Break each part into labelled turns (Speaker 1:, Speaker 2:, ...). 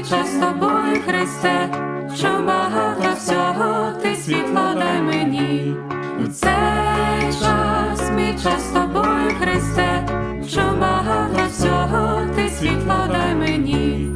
Speaker 1: час з тобою, Христе, що багато всього ти світло дай мені. У цей час, мій час з тобою, Христе, що багато всього ти світло дай мені.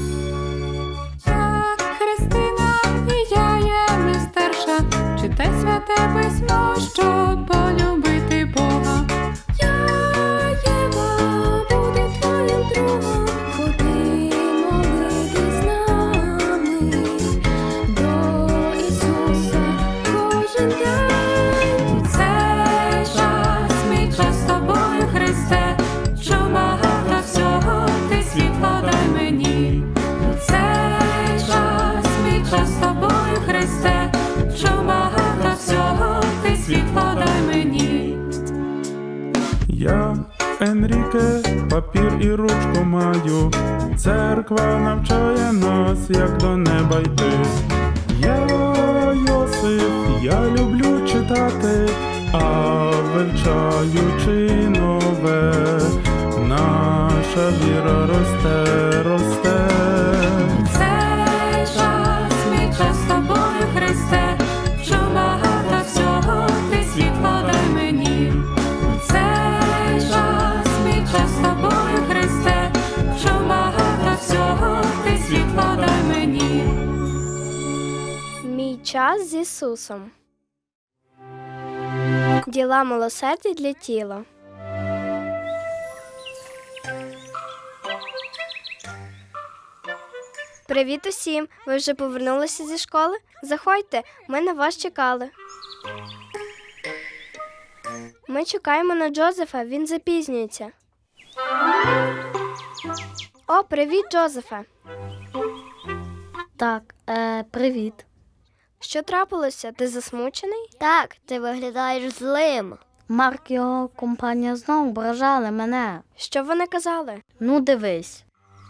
Speaker 1: Так, Христина, і я є мистерша, читай святе письмо, щоб полюбити Бога. Я, Єва, буду твоїм другом, ходи молитись з нами до Ісуса кожен день. У цей час, мій час з тобою, Христе, що багато всього ти світло дай мені. У цей час, мій час з тобою, Христе, що багато всього ти світло дай мені.
Speaker 2: Я, Енріке, папір і ручку маю, церква навчає нас, як до неба йти. Я, Йосип, я люблю читати, а вивчаючи нове, наша віра росте, росте.
Speaker 1: Цей час, мій час з тобою, Христе, що багато всього ти світло дай мені. Цей час, мій час з тобою, Христе, що багато всього ти світло дай мені.
Speaker 3: Мій час з Ісусом. Діла милосердя для тіла. Привіт усім! Ви вже повернулися зі школи? Заходьте, ми на вас чекали. Ми чекаємо на Джозефа, він запізнюється. О, привіт, Джозефе!
Speaker 4: Так, привіт.
Speaker 3: Що трапилося? Ти засмучений?
Speaker 4: Так, ти виглядаєш злим. Марк і його компанія знову ображали мене.
Speaker 3: Що вони казали?
Speaker 4: Ну, дивись.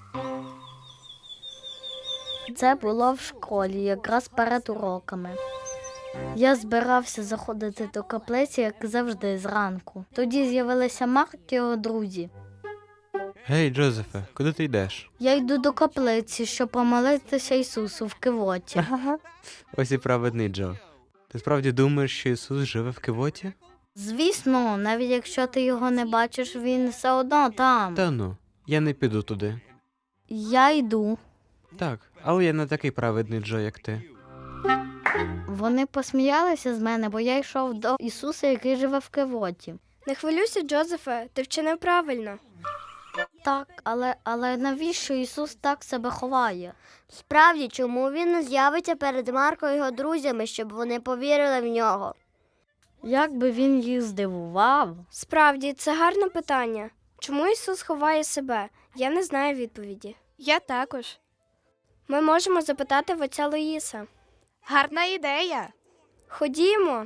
Speaker 4: Це було в школі, якраз перед уроками. Я збирався заходити до каплиці, як завжди, зранку. Тоді з'явилися Марк і його друзі.
Speaker 5: Гей, Джозефе, куди ти йдеш?
Speaker 4: Я йду до каплиці, щоб помолитися Ісусу в Кивоті.
Speaker 5: Ось і праведний Джо. Ти справді думаєш, що Ісус живе в Кивоті?
Speaker 4: Звісно, навіть якщо ти його не бачиш, він все одно там.
Speaker 5: Та ну, я не піду туди.
Speaker 4: Я йду.
Speaker 5: Так, але я не такий праведний Джо, як ти.
Speaker 4: Вони посміялися з мене, бо я йшов до Ісуса, який живе в Кивоті.
Speaker 3: Не хвилюйся, Джозефе, ти вчинив правильно.
Speaker 4: Так, але навіщо Ісус так себе ховає?
Speaker 6: Справді, чому він не з'явиться перед Марко і його друзями, щоб вони повірили в нього?
Speaker 4: Як би він їх здивував?
Speaker 3: Справді, це гарне питання. Чому Ісус ховає себе? Я не знаю відповіді.
Speaker 7: Я також.
Speaker 3: Ми можемо запитати в отця Луїса.
Speaker 7: Гарна ідея.
Speaker 3: Ходімо.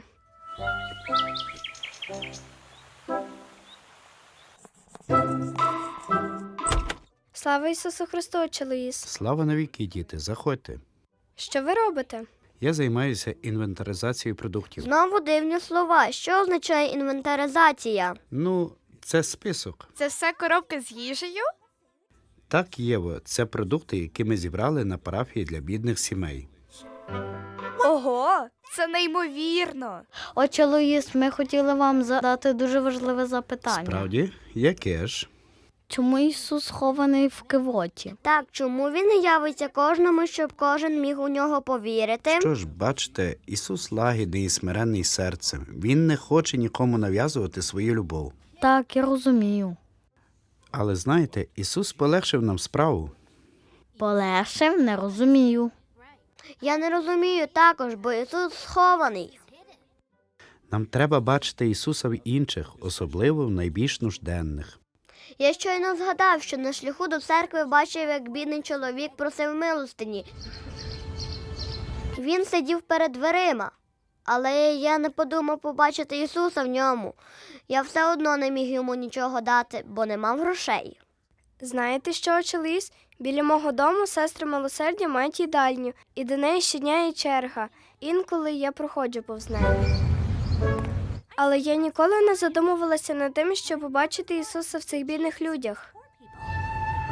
Speaker 3: Слава Ісусу Христу, отче Луїс.
Speaker 8: Слава навіки, діти, заходьте.
Speaker 3: Що ви робите?
Speaker 8: Я займаюся інвентаризацією продуктів.
Speaker 6: Знову дивні слова. Що означає інвентаризація?
Speaker 8: Ну, це список.
Speaker 7: Це все коробки з їжею?
Speaker 8: Так, Єво, це продукти, які ми зібрали на парафії для бідних сімей.
Speaker 7: Ого, це неймовірно.
Speaker 4: Отче Луїс, ми хотіли вам задати дуже важливе запитання.
Speaker 8: Справді? Яке ж?
Speaker 4: Чому Ісус хований в Кивоті?
Speaker 6: Так, чому він не явиться кожному, щоб кожен міг у нього повірити?
Speaker 8: Що ж, бачите, Ісус лагідний і смиренний серцем. Він не хоче нікому нав'язувати свою любов.
Speaker 4: Так, я розумію.
Speaker 8: Але знаєте, Ісус полегшив нам справу.
Speaker 4: Полегшив? Не розумію.
Speaker 6: Я не розумію також, бо Ісус схований.
Speaker 8: Нам треба бачити Ісуса в інших, особливо в найбільш нужденних.
Speaker 6: Я щойно згадав, що на шляху до церкви бачив, як бідний чоловік просив милостині. Він сидів перед дверима, але я не подумав побачити Ісуса в ньому. Я все одно не міг йому нічого дати, бо не мав грошей.
Speaker 3: Знаєте що, отче Луїс? Біля мого дому сестри милосердя мають їдальню, і до неї щодня є черга. Інколи я проходжу повз неї. Але я ніколи не задумувалася над тим, щоб побачити Ісуса в цих бідних людях.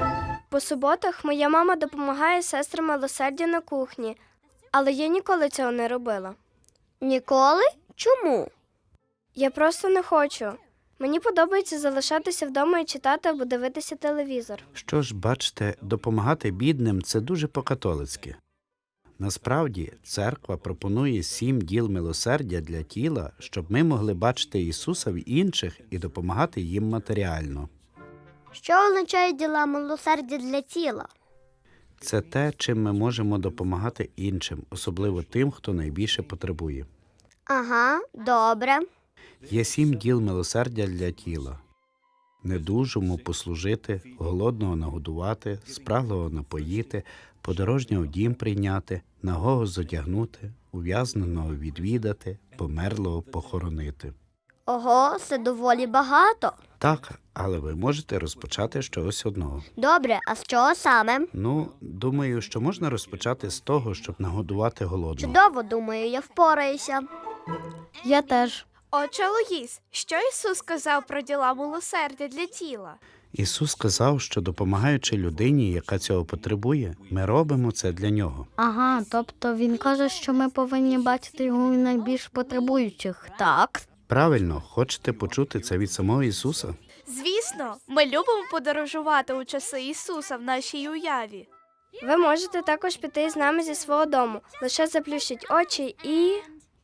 Speaker 3: По суботах моя мама допомагає сестрам милосердя на кухні, але я ніколи цього не робила.
Speaker 6: Ніколи? Чому?
Speaker 3: Я просто не хочу. Мені подобається залишатися вдома і читати або дивитися телевізор.
Speaker 8: Що ж, бачите, допомагати бідним – це дуже по-католицьки. Насправді, церква пропонує 7 діл милосердя для тіла, щоб ми могли бачити Ісуса в інших і допомагати їм матеріально.
Speaker 6: Що означає діла милосердя для тіла?
Speaker 8: Це те, чим ми можемо допомагати іншим, особливо тим, хто найбільше потребує.
Speaker 6: Ага, добре.
Speaker 8: Є 7 діл милосердя для тіла. Недужому послужити, голодного нагодувати, спраглого напоїти, подорожнього в дім прийняти, нагого зодягнути, ув'язненого відвідати, померлого похоронити.
Speaker 6: Ого, це доволі багато.
Speaker 8: Так, але ви можете розпочати з чогось одного.
Speaker 6: Добре, а з чого саме?
Speaker 8: Думаю, що можна розпочати з того, щоб нагодувати голодного.
Speaker 6: Чудово, думаю, я впораюся.
Speaker 4: Я теж.
Speaker 7: Отже, Луїс, що Ісус сказав про діла милосердя для тіла?
Speaker 8: Ісус сказав, що допомагаючи людині, яка цього потребує, ми робимо це для нього.
Speaker 4: Ага, тобто він каже, що ми повинні бачити його в найбільш потребуючих, так?
Speaker 8: Правильно, хочете почути це від самого Ісуса?
Speaker 7: Звісно, ми любимо подорожувати у часи Ісуса в нашій уяві.
Speaker 3: Ви можете також піти з нами зі свого дому. Лише заплющіть очі і...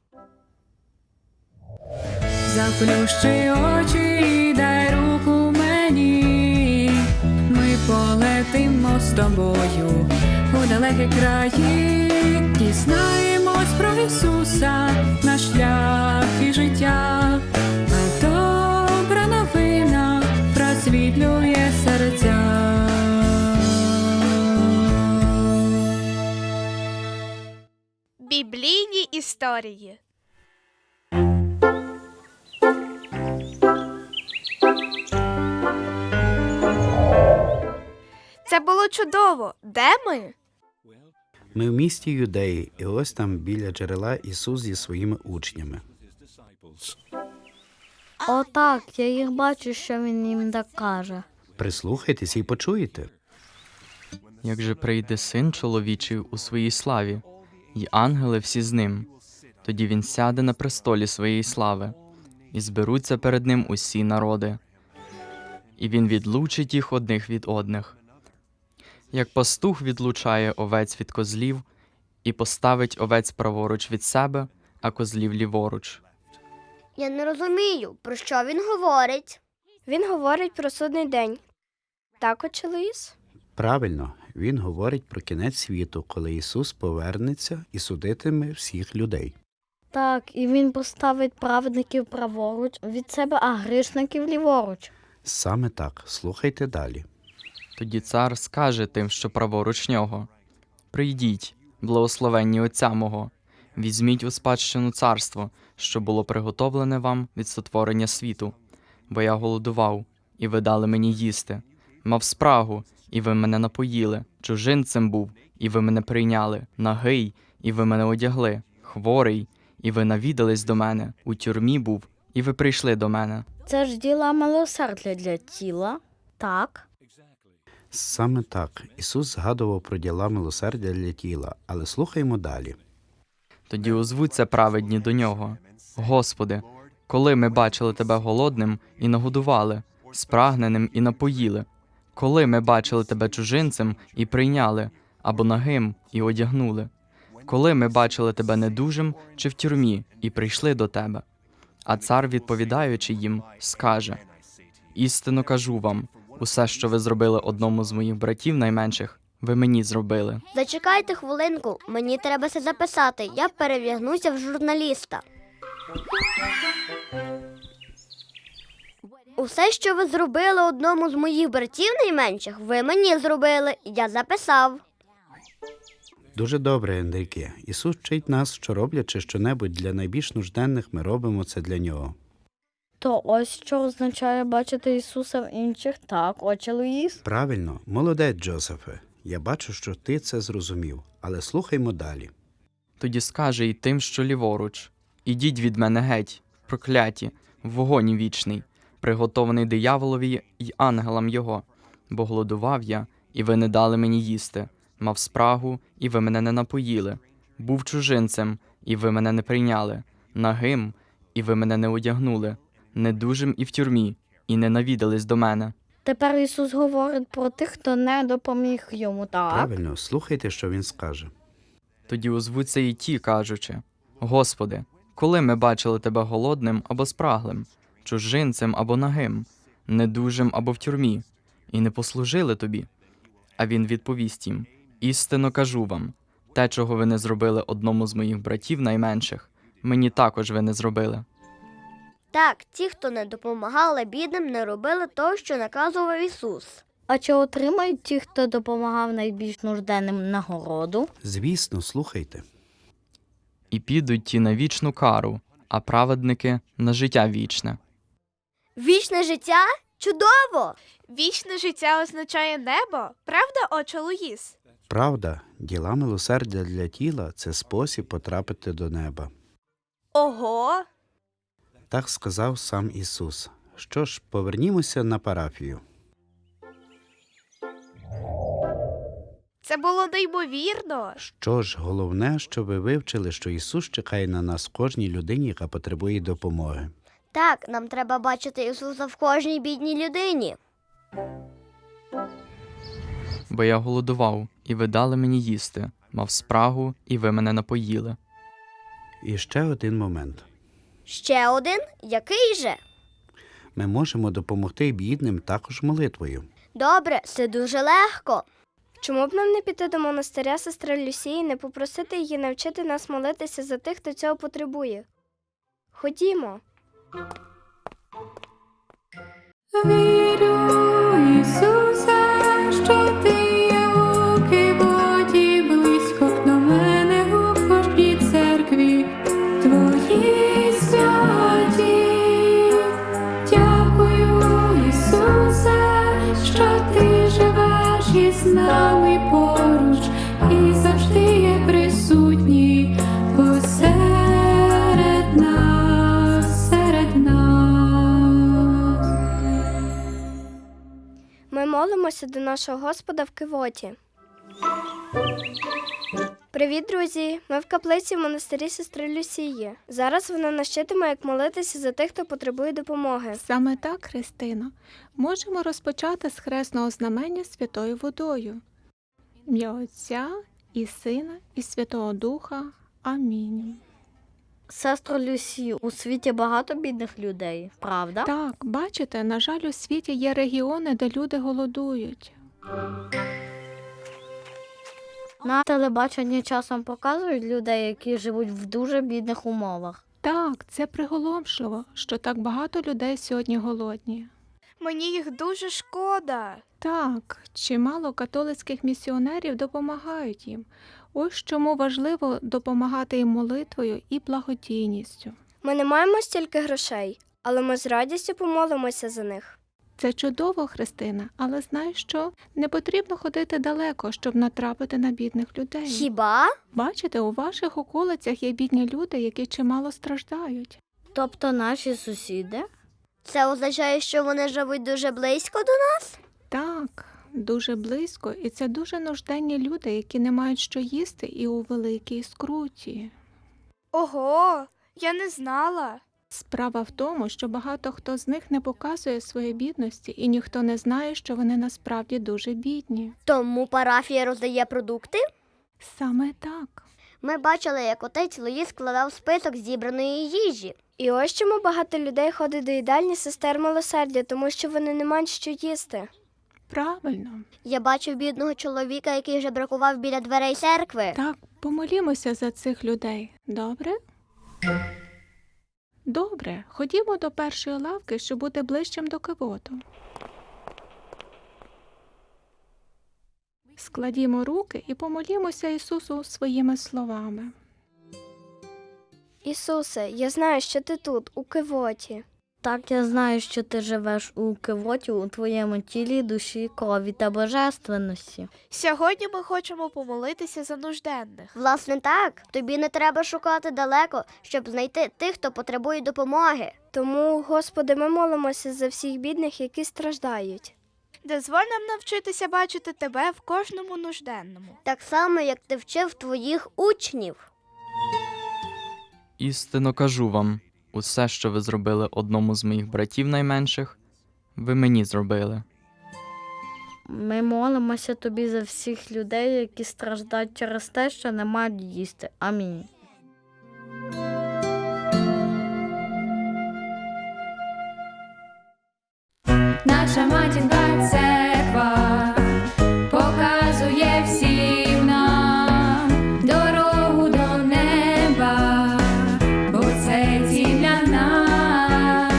Speaker 1: Заплющи очі і дай руку мені. Ми полетимо з тобою у далекі краї. Дізнаємось про Ісуса, наш шлях і життя. А добра новина просвітлює серця.
Speaker 7: Біблійні історії. Це було чудово. Де ми?
Speaker 8: Ми в місті Юдеї, і ось там біля джерела Ісус зі своїми учнями.
Speaker 4: Отак, я їх бачу, що він їм так каже.
Speaker 8: Прислухайтесь і почуєте.
Speaker 9: Як же прийде Син чоловічий у своїй славі, і ангели всі з ним, тоді він сяде на престолі своєї слави, і зберуться перед ним усі народи. І він відлучить їх одних від одних. Як пастух відлучає овець від козлів, і поставить овець праворуч від себе, а козлів ліворуч.
Speaker 6: Я не розумію, про що він говорить.
Speaker 3: Він говорить про судний день. Так, отче Луїс?
Speaker 8: Правильно, він говорить про кінець світу, коли Ісус повернеться і судитиме всіх людей.
Speaker 4: Так, і він поставить праведників праворуч від себе, а грішників ліворуч.
Speaker 8: Саме так, слухайте далі.
Speaker 9: Тоді цар скаже тим, що праворуч нього: «Прийдіть, благословенні Отця мого, візьміть у спадщину царство, що було приготовлене вам від сотворення світу. Бо я голодував, і ви дали мені їсти, мав спрагу, і ви мене напоїли, чужинцем був, і ви мене прийняли, нагий, і ви мене одягли, хворий, і ви навідались до мене, у тюрмі був, і ви прийшли до мене».
Speaker 4: Це ж діла милосердя для тіла, так?
Speaker 8: Саме так, Ісус згадував про діла милосердя для тіла, але слухаймо далі.
Speaker 9: Тоді озвуться праведні до нього: «Господи, коли ми бачили Тебе голодним і нагодували, спрагненим і напоїли? Коли ми бачили Тебе чужинцем і прийняли, або нагим і одягнули? Коли ми бачили Тебе недужим чи в тюрмі і прийшли до Тебе?» А цар, відповідаючи їм, скаже: «Істинно кажу вам, усе, що ви зробили одному з моїх братів найменших, ви мені зробили».
Speaker 6: Зачекайте хвилинку, мені треба це записати. Я перевдягнуся в журналіста. Усе, що ви зробили одному з моїх братів найменших, ви мені зробили. Я записав.
Speaker 8: Дуже добре, Енрике. Ісус вчить нас, що роблячи щонебудь для найбільш нужденних, ми робимо це для Нього.
Speaker 4: То ось що означає бачити Ісуса в інших, так, отче Луїс?
Speaker 8: Правильно, молодець, Джозефе. Я бачу, що ти це зрозумів, але слухаймо далі.
Speaker 9: Тоді скаже й тим, що ліворуч: «Ідіть від мене геть, прокляті, в вогонь вічний, приготований дияволові й ангелам його, бо голодував я, і ви не дали мені їсти. Мав спрагу, і ви мене не напоїли. Був чужинцем, і ви мене не прийняли. Нагим, і ви мене не одягнули. Недужим і в тюрмі, і не навідались до мене.
Speaker 4: Тепер Ісус говорить про тих, хто не допоміг йому, так?
Speaker 8: Правильно, слухайте, що він скаже.
Speaker 9: Тоді озвуться і ті, кажучи: Господи, коли ми бачили тебе голодним або спраглим, чужинцем або нагим, недужим або в тюрмі, і не послужили тобі? А він відповість їм: істинно кажу вам, те, чого ви не зробили одному з моїх братів найменших, мені також ви не зробили.
Speaker 6: Так, ті, хто не допомагали бідним, не робили того, що наказував Ісус.
Speaker 4: А чи отримають ті, хто допомагав найбільш нужденним, нагороду?
Speaker 8: Звісно, слухайте.
Speaker 9: І підуть ті на вічну кару, а праведники – на життя вічне.
Speaker 6: Вічне життя? Чудово!
Speaker 7: Вічне життя означає небо, правда, отче Луїс?
Speaker 8: Правда, діла милосердя для тіла – це спосіб потрапити до неба.
Speaker 7: Ого!
Speaker 8: Так сказав сам Ісус. Що ж, повернімося на парафію.
Speaker 7: Це було неймовірно.
Speaker 8: Що ж, головне, що ви вивчили, що Ісус чекає на нас в кожній людині, яка потребує допомоги.
Speaker 6: Так, нам треба бачити Ісуса в кожній бідній людині.
Speaker 9: Бо я голодував, і ви дали мені їсти, мав спрагу, і ви мене напоїли.
Speaker 8: І ще один момент.
Speaker 6: Ще один? Який же?
Speaker 8: Ми можемо допомогти бідним також молитвою.
Speaker 6: Добре, це дуже легко.
Speaker 3: Чому б нам не піти до монастиря сестри Люсії і не попросити її навчити нас молитися за тих, хто цього потребує? Ходімо.
Speaker 1: Вірю, Ісусе, що ти є у Кивоті, близько до мене у кожній церкві твої святі. Дякую, Ісусе, що ти живеш із нами поруч і завжди є присутній посеред нас, серед нас.
Speaker 3: Ми молимося до нашого Господа в Кивоті. Привіт, друзі! Ми в каплиці в монастирі сестри Люсії. Зараз вона нас вчитиме, як молитися за тих, хто потребує допомоги.
Speaker 1: Саме так, Христино. Можемо розпочати з хресного знамення святою водою. В ім'я Отця і Сина і Святого Духа. Амінь.
Speaker 4: Сестро Люсі, у світі багато бідних людей, правда?
Speaker 1: Так, бачите, на жаль, у світі є регіони, де люди голодують.
Speaker 4: На телебаченні часом показують людей, які живуть в дуже бідних умовах.
Speaker 1: Так, це приголомшливо, що так багато людей сьогодні голодні.
Speaker 7: Мені їх дуже шкода.
Speaker 1: Так, чимало католицьких місіонерів допомагають їм. Ось чому важливо допомагати їм молитвою і благодійністю.
Speaker 3: Ми не маємо стільки грошей, але ми з радістю помолимося за них.
Speaker 1: Це чудово, Христина, але знаєш що? Не потрібно ходити далеко, щоб натрапити на бідних людей.
Speaker 6: Хіба?
Speaker 1: Бачите, у ваших околицях є бідні люди, які чимало страждають.
Speaker 4: Тобто наші сусіди?
Speaker 6: Це означає, що вони живуть дуже близько до нас?
Speaker 1: Так, дуже близько, і це дуже нужденні люди, які не мають що їсти і у великій скруті.
Speaker 7: Ого, я не знала.
Speaker 1: Справа в тому, що багато хто з них не показує своєї бідності, і ніхто не знає, що вони насправді дуже бідні.
Speaker 6: Тому парафія роздає продукти?
Speaker 1: Саме так.
Speaker 6: Ми бачили, як отець Луїс складав список зібраної їжі.
Speaker 3: І ось чому багато людей ходить до їдальні сестер милосердя, тому що вони не мають що їсти.
Speaker 1: Правильно.
Speaker 6: Я бачив бідного чоловіка, який жебракував біля дверей церкви.
Speaker 1: Так, помолімося за цих людей. Добре? Добре, ходімо до першої лавки, щоб бути ближчим до Кивоту. Складімо руки і помолімося Ісусу своїми словами.
Speaker 3: Ісусе, я знаю, що ти тут, у Кивоті.
Speaker 4: Так, я знаю, що ти живеш у Кивоті, у твоєму тілі, душі, крові та божественності.
Speaker 7: Сьогодні ми хочемо помолитися за нужденних.
Speaker 6: Власне так, тобі не треба шукати далеко, щоб знайти тих, хто потребує допомоги.
Speaker 3: Тому, Господи, ми молимося за всіх бідних, які страждають.
Speaker 7: Дозволь нам навчитися бачити тебе в кожному нужденному.
Speaker 6: Так само, як ти вчив твоїх учнів.
Speaker 9: Істинно кажу вам, усе, що ви зробили одному з моїх братів найменших, ви мені зробили.
Speaker 4: Ми молимося тобі за всіх людей, які страждають через те, що не мають їсти. Амінь.
Speaker 1: Наша матінка церква показує всім нам дорогу до неба, бо це ціль для нас.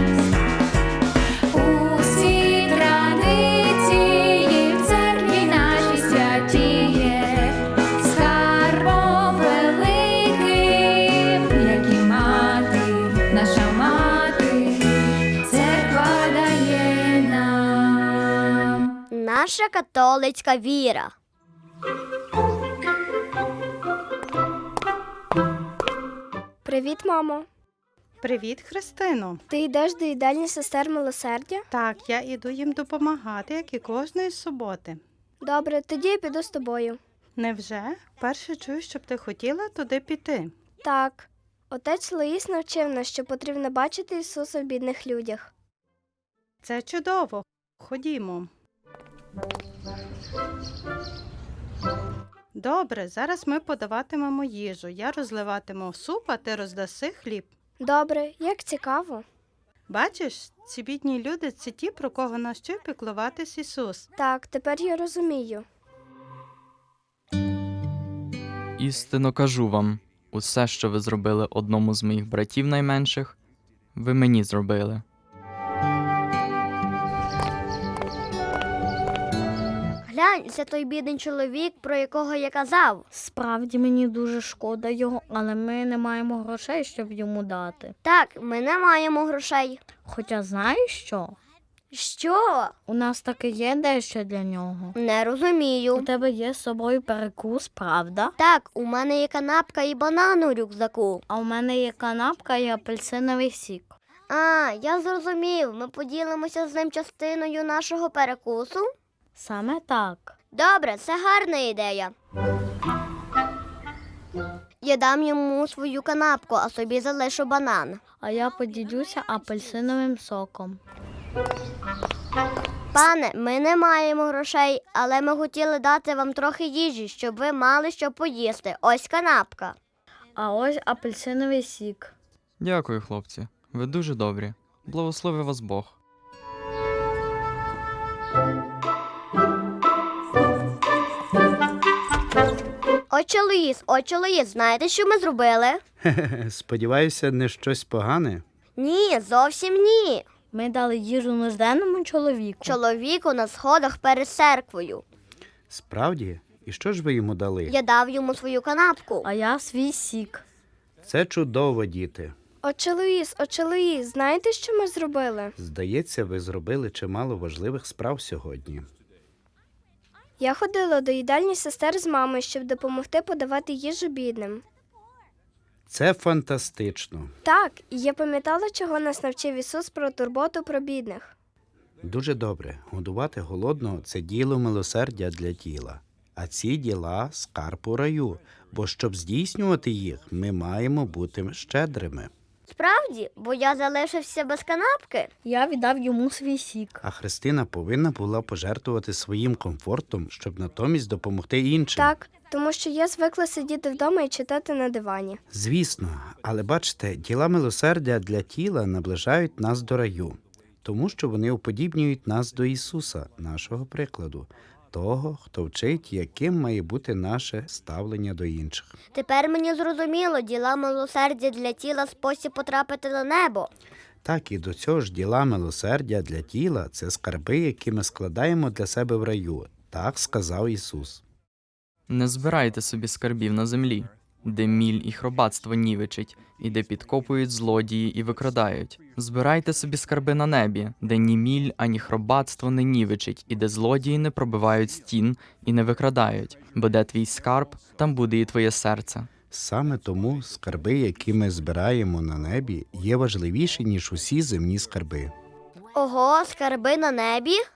Speaker 1: Усі традиції в церкві нашій святіє, скарбом великим, як і мати, наша мати, церква дає нам.
Speaker 6: Наша католицька віра.
Speaker 3: Привіт, мамо.
Speaker 10: Привіт, Христино.
Speaker 3: Ти йдеш до їдальні сестер милосердя?
Speaker 10: Так, я іду їм допомагати, як і кожної суботи.
Speaker 3: Добре, тоді я піду з тобою.
Speaker 10: Невже? Перше чую, щоб ти хотіла туди піти.
Speaker 3: Так, отець Луїс навчив нас, що потрібно бачити Ісуса в бідних людях.
Speaker 10: Це чудово. Ходімо. Добре, зараз ми подаватимемо їжу. Я розливатиму суп, а ти роздаси хліб.
Speaker 3: Добре, як цікаво.
Speaker 10: Бачиш, ці бідні люди – це ті, про кого навчив піклуватись Ісус.
Speaker 3: Так, тепер я розумію.
Speaker 9: Істинно кажу вам, усе, що ви зробили одному з моїх братів найменших, ви мені зробили.
Speaker 6: Глянь, це той бідний чоловік, про якого я казав.
Speaker 4: Справді мені дуже шкода його, але ми не маємо грошей, щоб йому дати.
Speaker 6: Так, ми не маємо грошей.
Speaker 4: Хоча знаєш що?
Speaker 6: Що?
Speaker 4: У нас таки є дещо для нього.
Speaker 6: Не
Speaker 4: У
Speaker 6: розумію.
Speaker 4: тебе є з собою перекус, правда?
Speaker 6: Так, у мене є канапка і банан у рюкзаку.
Speaker 4: А у мене є канапка і апельсиновий сік.
Speaker 6: А, я зрозумів. Ми поділимося з ним частиною нашого перекусу.
Speaker 4: Саме так.
Speaker 6: Добре, це гарна ідея. Я дам йому свою канапку, а собі залишу банан.
Speaker 4: А я поділюся апельсиновим соком.
Speaker 6: Пане, ми не маємо грошей, але ми хотіли дати вам трохи їжі, щоб ви мали що поїсти. Ось канапка.
Speaker 4: А ось апельсиновий сік.
Speaker 9: Дякую, хлопці. Ви дуже добрі. Благослови вас Бог.
Speaker 6: Отче Луїс, знаєте, що ми зробили?
Speaker 8: Сподіваюся, не щось погане.
Speaker 6: Ні, зовсім ні.
Speaker 4: Ми дали їжу нужденному чоловіку.
Speaker 6: Чоловіку на сходах перед церквою.
Speaker 8: Справді? І що ж ви йому дали?
Speaker 6: Я дав йому свою канапку.
Speaker 4: А я свій сік.
Speaker 8: Це чудово, діти.
Speaker 3: Отче Луїс, знаєте, що ми зробили?
Speaker 8: Здається, ви зробили чимало важливих справ сьогодні.
Speaker 3: Я ходила до їдальні сестер з мамою, щоб допомогти подавати їжу бідним.
Speaker 8: Це фантастично.
Speaker 3: Так, і я пам'ятала, чого нас навчив Ісус про турботу про бідних.
Speaker 8: Дуже добре. Годувати голодного – це діло милосердя для тіла. А ці діла – скарб у раю, бо щоб здійснювати їх, ми маємо бути щедрими.
Speaker 6: Справді, бо я залишився без канапки.
Speaker 4: Я віддав йому свій сік.
Speaker 8: А Христина повинна була пожертвувати своїм комфортом, щоб натомість допомогти іншим.
Speaker 3: Так, тому що я звикла сидіти вдома і читати на дивані.
Speaker 8: Звісно, але бачите, діла милосердя для тіла наближають нас до раю, тому що вони уподібнюють нас до Ісуса, нашого прикладу, того, хто вчить, яким має бути наше ставлення до інших.
Speaker 6: Тепер мені зрозуміло, діла милосердя для тіла – спосіб потрапити на небо.
Speaker 8: Так і до цього ж діла милосердя для тіла – це скарби, які ми складаємо для себе в раю. Так сказав Ісус.
Speaker 9: Не збирайте собі скарбів на землі, де міль і хробатство нівечить, і де підкопують злодії і викрадають. Збирайте собі скарби на небі, де ні міль, ані хробатство не нівечить, і де злодії не пробивають стін і не викрадають. Бо де твій скарб, там буде і твоє серце.
Speaker 8: Саме тому скарби, які ми збираємо на небі, є важливіші, ніж усі земні скарби.
Speaker 6: Ого, скарби на небі?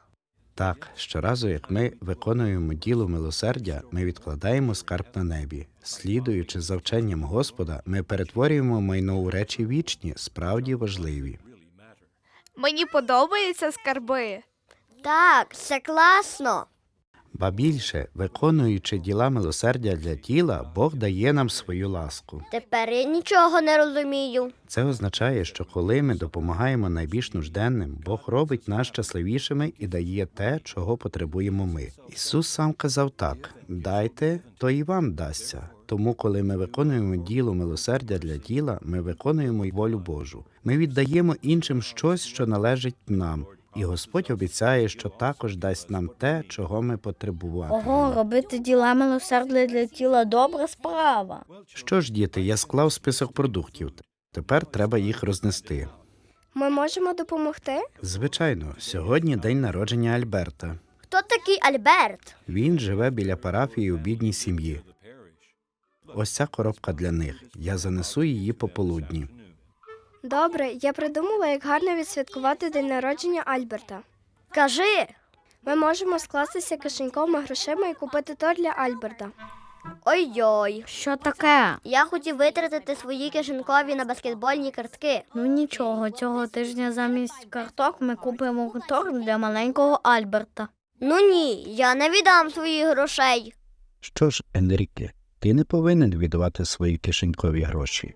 Speaker 8: Так, щоразу, як ми виконуємо діло милосердя, ми відкладаємо скарб на небі. Слідуючи за вченням Господа, ми перетворюємо майно у речі вічні, справді важливі.
Speaker 7: Мені подобаються скарби.
Speaker 6: Так, це класно.
Speaker 8: Ба більше, виконуючи діла милосердя для тіла, Бог дає нам свою ласку.
Speaker 6: Тепер я нічого не розумію.
Speaker 8: Це означає, що коли ми допомагаємо найбільш нужденним, Бог робить нас щасливішими і дає те, чого потребуємо ми. Ісус сам казав так: «Дайте, то і вам дасться». Тому, коли ми виконуємо діло милосердя для тіла, ми виконуємо й волю Божу. Ми віддаємо іншим щось, що належить нам. І Господь обіцяє, що також дасть нам те, чого ми потребуватимемо.
Speaker 4: Ого, робити діла милосердя для тіла – добра справа.
Speaker 8: Що ж, діти, я склав список продуктів. Тепер треба їх рознести.
Speaker 3: Ми можемо допомогти?
Speaker 8: Звичайно, сьогодні день народження Альберта.
Speaker 6: Хто такий Альберт?
Speaker 8: Він живе біля парафії у бідній сім'ї. Ось ця коробка для них. Я занесу її пополудні.
Speaker 3: Добре, я придумала, як гарно відсвяткувати день народження Альберта.
Speaker 6: Кажи.
Speaker 3: Ми можемо скластися кишеньковими грошима і купити торт для Альберта.
Speaker 6: Ой-ой.
Speaker 4: Що таке?
Speaker 6: Я хотів витратити свої кишенькові на баскетбольні картки.
Speaker 4: Ну нічого, цього тижня замість карток ми купимо торт для маленького Альберта.
Speaker 6: Ну ні, я не віддам своїх грошей.
Speaker 8: Що ж, Енріке, ти не повинен віддавати свої кишенькові гроші.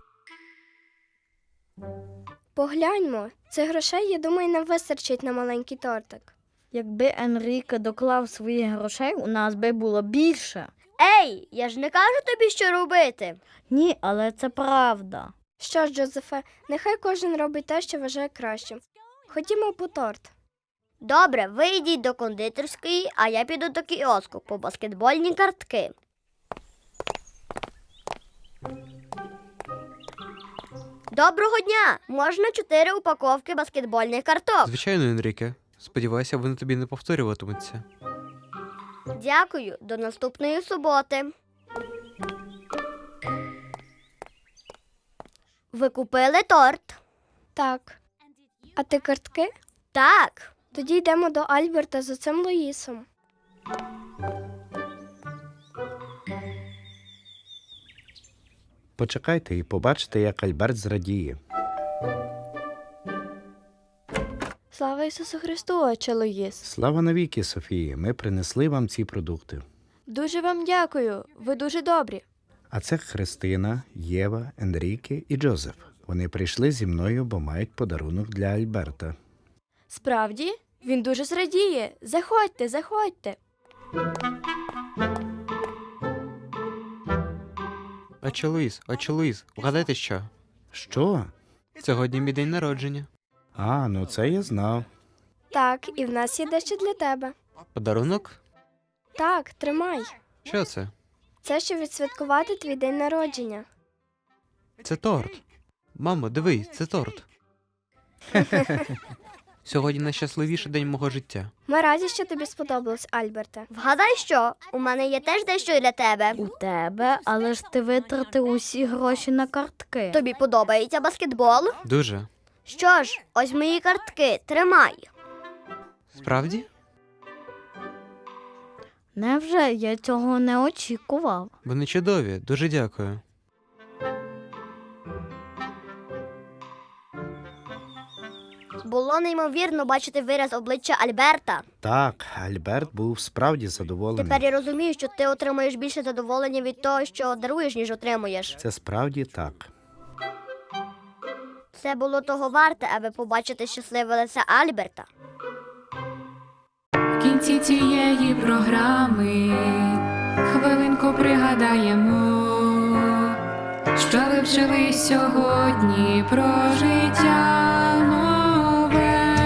Speaker 3: Погляньмо, цих грошей, я думаю, нам вистачить на маленький тортик.
Speaker 4: Якби Енріке доклав своїх грошей, у нас би було більше.
Speaker 6: Ей, я ж не кажу тобі, що робити.
Speaker 4: Ні, але це правда.
Speaker 3: Що ж, Джозефе, нехай кожен робить те, що вважає кращим. Ходімо по торт.
Speaker 6: Добре, ви йдіть до кондитерської, а я піду до кіоску по баскетбольні картки. Доброго дня! Можна 4 упаковки баскетбольних карток?
Speaker 5: Звичайно, Енріке. Сподіваюся, вони тобі не повторюватимуться.
Speaker 6: Дякую, до наступної суботи. Ви купили торт?
Speaker 3: Так. А ти картки?
Speaker 6: Так.
Speaker 3: Тоді йдемо до Альберта з оцим Луїсом.
Speaker 8: Почекайте і побачите, як Альберт зрадіє.
Speaker 3: Слава Ісусу Христу, отче Луїс.
Speaker 8: Слава навіки, Софії, ми принесли вам ці продукти.
Speaker 3: Дуже вам дякую, ви дуже добрі.
Speaker 8: А це Христина, Єва, Енріке і Джозеф. Вони прийшли зі мною, бо мають подарунок для Альберта.
Speaker 3: Справді? Він дуже зрадіє. Заходьте, заходьте.
Speaker 5: Отче Луїс, вгадайте що?
Speaker 8: Що?
Speaker 5: Сьогодні мій день народження.
Speaker 8: А, ну це я знав.
Speaker 3: Так, і в нас є дещо для тебе.
Speaker 5: Подарунок?
Speaker 3: Так, тримай.
Speaker 5: Що це?
Speaker 3: Це щоб відсвяткувати твій день народження.
Speaker 5: Це торт. Мамо, дивись, це торт. Сьогодні найщасливіший день мого життя.
Speaker 3: Ми раді, що тобі сподобалось, Альберте.
Speaker 6: Вгадай що, у мене є теж дещо для тебе.
Speaker 4: У тебе, але ж ти витратив усі гроші на картки.
Speaker 6: Тобі подобається баскетбол?
Speaker 5: Дуже.
Speaker 6: Що ж, ось мої картки, тримай.
Speaker 5: Справді?
Speaker 4: Невже я цього не очікував?
Speaker 5: Вони чудові, дуже дякую.
Speaker 6: Було неймовірно бачити вираз обличчя Альберта.
Speaker 8: Так, Альберт був справді задоволений.
Speaker 6: Тепер я розумію, що ти отримуєш більше задоволення від того, що даруєш, ніж отримуєш.
Speaker 8: Це справді так.
Speaker 6: Це було того варте, аби побачити щасливе лице Альберта.
Speaker 1: В кінці цієї програми хвилинку пригадаємо, що ви вчили сьогодні про життя нове.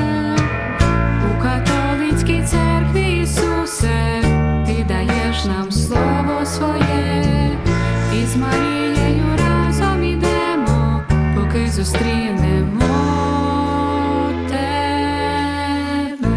Speaker 1: У католицькій церкві, Ісусе, ти даєш нам слово своє, і з Марією разом ідемо, поки зустрінемо тебе.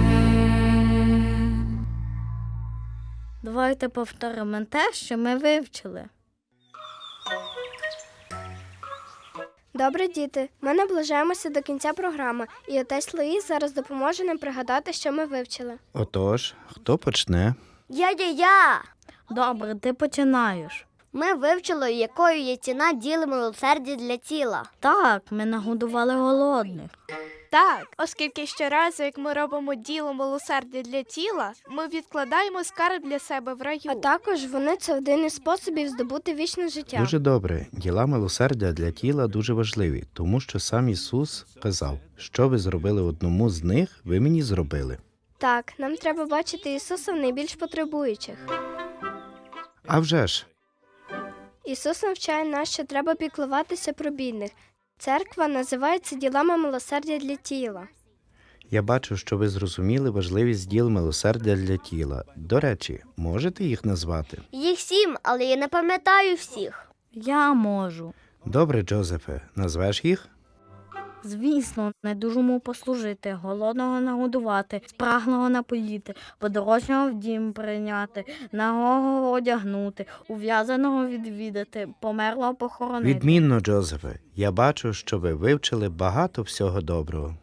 Speaker 4: Давайте повторимо те, що ми вивчили.
Speaker 3: Добре, діти. Ми наближаємося до кінця програми, і отець Луїс зараз допоможе нам пригадати, що ми вивчили.
Speaker 8: Отож, хто почне?
Speaker 6: Я.
Speaker 4: Добре, ти починаєш.
Speaker 6: Ми вивчили, якою є ціна діла милосердя для тіла.
Speaker 4: Так, ми нагодували голодних.
Speaker 7: Так, оскільки щоразу, як ми робимо діло милосердя для тіла, ми відкладаємо скарб для себе в раю.
Speaker 3: А також вони це один із способів здобути вічне життя.
Speaker 8: Дуже добре. Діла милосердя для тіла дуже важливі, тому що сам Ісус казав, що ви зробили одному з них, ви мені зробили.
Speaker 3: Так, нам треба бачити Ісуса в найбільш потребуючих.
Speaker 8: А вже ж,
Speaker 3: Ісус навчає нас, що треба піклуватися про бідних. Церква називається ділами милосердя для тіла.
Speaker 8: я бачу, що ви зрозуміли важливість діл милосердя для тіла. До речі, можете їх назвати?
Speaker 6: Їх 7, але я не пам'ятаю всіх.
Speaker 4: Я можу.
Speaker 8: Добре, Джозефе, назвеш їх?
Speaker 4: Звісно, недужому послужити, голодного нагодувати, спраглого напоїти, подорожнього в дім прийняти, нагого одягнути, ув'язаного відвідати, померлого похоронити.
Speaker 8: Відмінно, Джозефе. Я бачу, що ви вивчили багато всього доброго.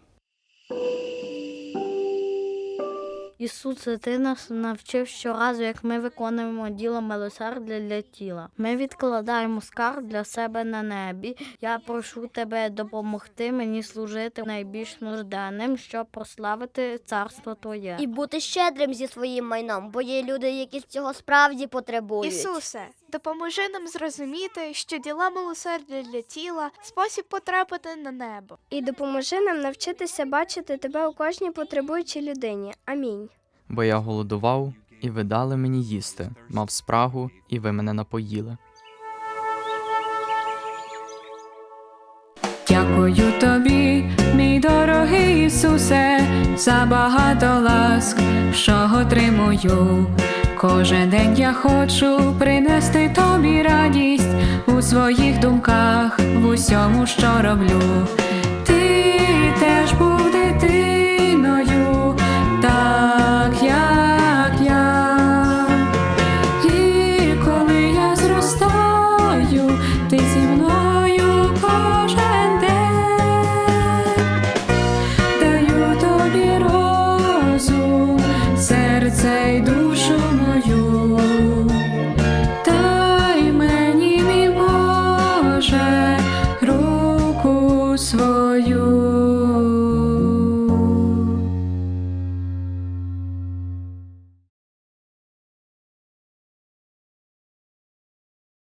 Speaker 4: Ісусе, ти нас навчив щоразу, як ми виконуємо діло милосердя для тіла. Ми відкладаємо скарб для себе на небі. Я прошу тебе допомогти мені служити найбільш нужденним, щоб прославити царство Твоє.
Speaker 6: І бути щедрим зі своїм майном, бо є люди, які цього справді потребують.
Speaker 7: Ісусе, допоможи нам зрозуміти, що діла милосердя для тіла – спосіб потрапити на небо.
Speaker 3: І допоможи нам навчитися бачити тебе у кожній потребуючій людині. Амінь.
Speaker 9: Бо я голодував, і ви дали мені їсти, мав спрагу, і ви мене напоїли.
Speaker 1: Дякую тобі, мій дорогий Ісусе, за багато ласк, що отримую. Кожен день я хочу принести тобі радість у своїх думках, в усьому, що роблю. Ти теж був дитиною, так як я. І коли я зростаю, ти зі